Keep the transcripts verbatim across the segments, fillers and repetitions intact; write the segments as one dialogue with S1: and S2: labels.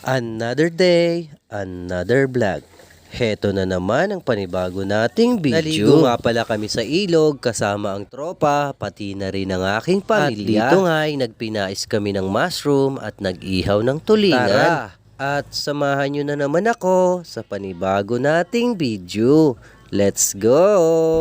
S1: Another day, another vlog. Heto na naman ang panibago nating video. Naligo nga pala kami sa ilog kasama ang tropa, pati na rin ang aking pamilya. At dito nga ay nagpinais kami ng mushroom at nag-ihaw ng tulingan. Tara, at samahan nyo na naman ako sa panibago nating video. Let's go!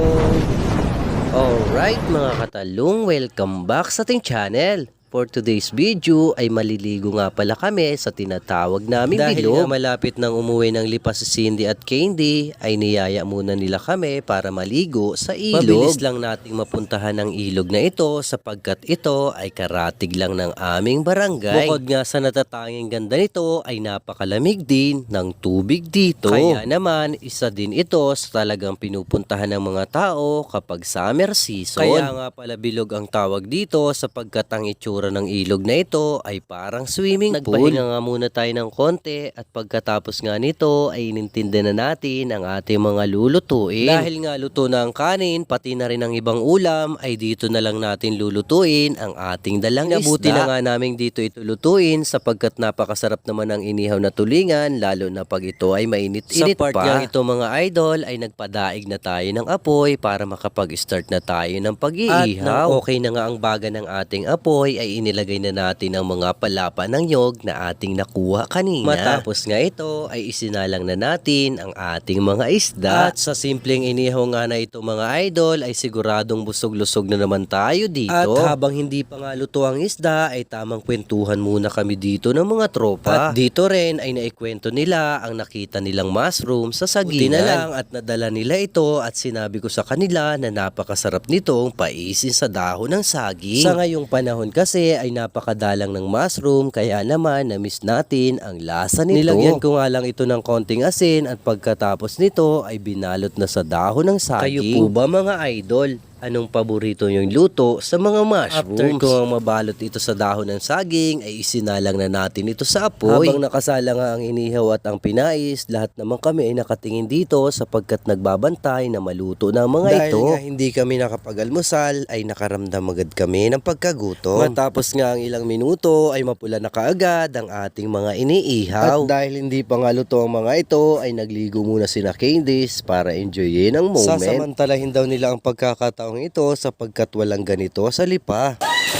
S1: Alright mga katalong, welcome back sa ating channel. For today's video ay maliligo nga pala kami sa tinatawag naming
S2: Dahil
S1: bilog.
S2: nga
S1: Malapit ng umuwi ng lipas si Cindy at Candy ay niyaya muna nila kami para maligo sa ilog. Mabilis lang nating mapuntahan ang ilog na ito sapagkat ito ay karatig lang ng aming barangay. Bukod nga sa natatanging ganda nito ay napakalamig din ng tubig dito. Kaya naman isa din ito sa talagang pinupuntahan ng mga tao kapag summer season. Kaya nga pala bilog ang tawag dito sapagkat ang itsura ng ilog na ito ay parang swimming pool. Nagpahinga nga muna tayo ng konti at pagkatapos nga nito ay inintindi na natin ang ating mga lulutuin. Dahil nga luto na ang kanin, pati na rin ang ibang ulam, ay dito na lang natin lulutuin ang ating dalang isda. Nabuti na nga namin dito ito lutuin sapagkat napakasarap naman ang inihaw na tulingan, lalo na pag ito ay mainit-init pa. Sa part nga ito mga idol ay nagpadaig na tayo ng apoy para makapag-start na tayo ng pag-iihaw. At nang okay na nga ang baga ng ating apoy ay inilagay na natin ang mga palapa ng nyog na ating nakuha kanina. Matapos nga ito ay isinalang na natin ang ating mga isda. At sa simpleng inihaw nga na ito mga idol ay siguradong busog-lusog na naman tayo dito. At habang hindi pa nga luto ang isda ay tamang kwentuhan muna kami dito ng mga tropa. At dito rin ay naikwento nila ang nakita nilang mushroom sa saginan. Buti na lang at nadala nila ito at sinabi ko sa kanila na napakasarap nitong paisin sa dahon ng saging. Sa ngayong panahon kasi ay napakadalang ng mushroom kaya naman na-miss natin ang lasa nito. Nilagyan ko nga lang ito ng konting asin at pagkatapos nito ay binalot na sa dahon ng saging. Kayo po ba mga idol? Anong paborito yung luto sa mga mushrooms? After ko ang mabalot ito sa dahon ng saging, ay isinalang na natin ito sa apoy. Habang nakasala nga ang inihaw at ang pinais, lahat naman kami ay nakatingin dito sapagkat nagbabantay na maluto na ang mga
S2: Dahil
S1: ito.
S2: nga hindi kami nakapag-almusal, ay nakaramdam agad kami ng pagkagutom.
S1: Matapos nga ang ilang minuto, ay mapula na kaagad ang ating mga iniihaw.
S2: At dahil hindi pa nga luto ang mga ito, ay nagligo muna sina Candice para enjoyin ang moment. Sasamantalahin daw nila ang pagkakataon ito sapagkat walang ganito sa lipa.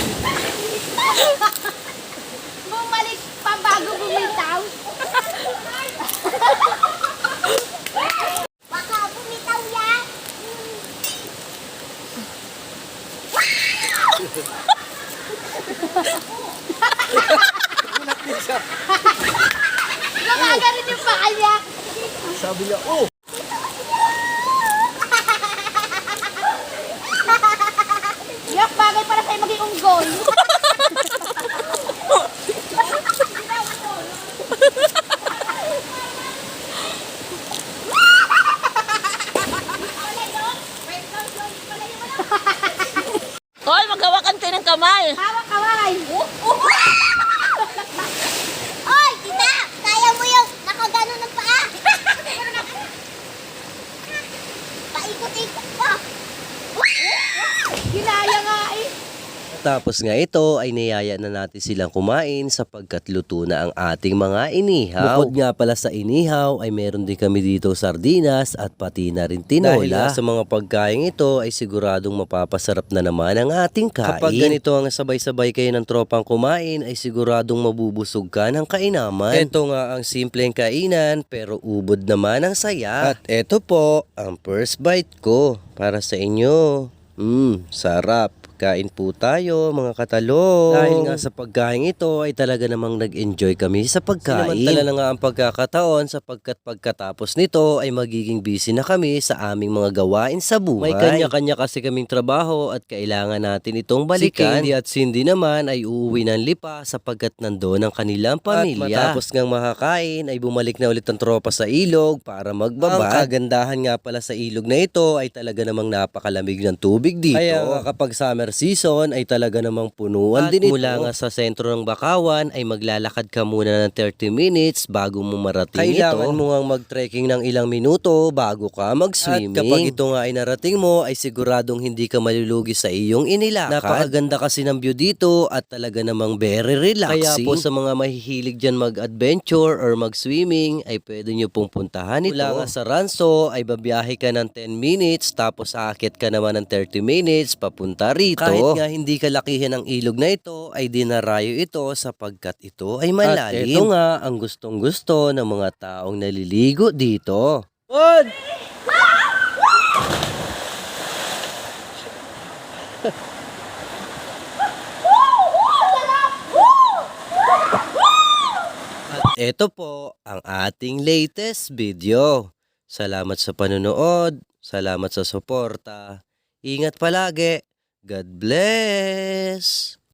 S3: Bumalik pa bago bumitaw. Baka bumitaw yan. Gumagalit yung paa niya.
S2: Sabi niya, oh!
S3: Yak, bagay para sa'yo maging unggol.
S4: Hoy, maghawakan kayo ng kamay.
S3: Hawak kaway. Oy, tita! Kaya mo yung nakagano ng paa. Paikot-ikot pa. Ginaya nga eh.
S1: Tapos nga ito ay niyaya na natin silang kumain sapagkat luto na ang ating mga inihaw. Bukod nga pala sa inihaw ay meron din kami dito sardinas at pati na rin tinola. Dahil nga sa mga pagkain ito ay siguradong mapapasarap na naman ang ating kain. Kapag ganito ang sabay-sabay kayo ng tropang kumain ay siguradong mabubusog ka ng kainaman. Ito nga ang simpleng kainan pero ubod naman ang saya. At ito po ang first bite ko para sa inyo. Mmm, sarap. Kain po tayo mga katalong. Dahil nga sa pagkain ito ay talaga namang nag-enjoy kami sa pagkain. Sinamantala na nga ang pagkakataon sapagkat pagkatapos nito ay magiging busy na kami sa aming mga gawain sa buhay. May kanya-kanya kasi kaming trabaho at kailangan natin itong balikan. Si Candy at Cindy naman ay uuwi ng lipa sapagkat nandoon ang kanilang pamilya. At matapos ngang makakain ay bumalik na ulit ang tropa sa ilog para magbabad. Ang kagandahan nga pala sa ilog na ito ay talaga namang napakalamig ng tubig dito. Kaya nga kapag summer
S2: winter season ay talaga namang punuan
S1: At
S2: din ito.
S1: mula nga sa sentro ng Bakawan ay maglalakad ka muna ng thirty minutes bago mo marating
S2: Kailangan
S1: ito.
S2: mo nga mag-trekking ng ilang minuto bago ka mag-swimming.
S1: At kapag ito nga ay narating mo ay siguradong hindi ka malulugi sa iyong inilakad. Napakaganda kasi ng view dito at talaga namang very relaxing. Kaya po sa mga mahihilig dyan mag-adventure or mag-swimming ay pwede nyo pong puntahan ito. Mula nga sa Ranso ay babiyahe ka ng ten minutes tapos aakit ka naman ng thirty minutes papunta rito. Kahit nga hindi kalakihan ang ilog na ito ay dinarayo ito sapagkat ito ay malalim. At ito nga ang gustong gusto ng mga taong naliligo dito. At ito po ang ating latest video. Salamat sa panonood, salamat sa suporta. Ingat palagi. God bless!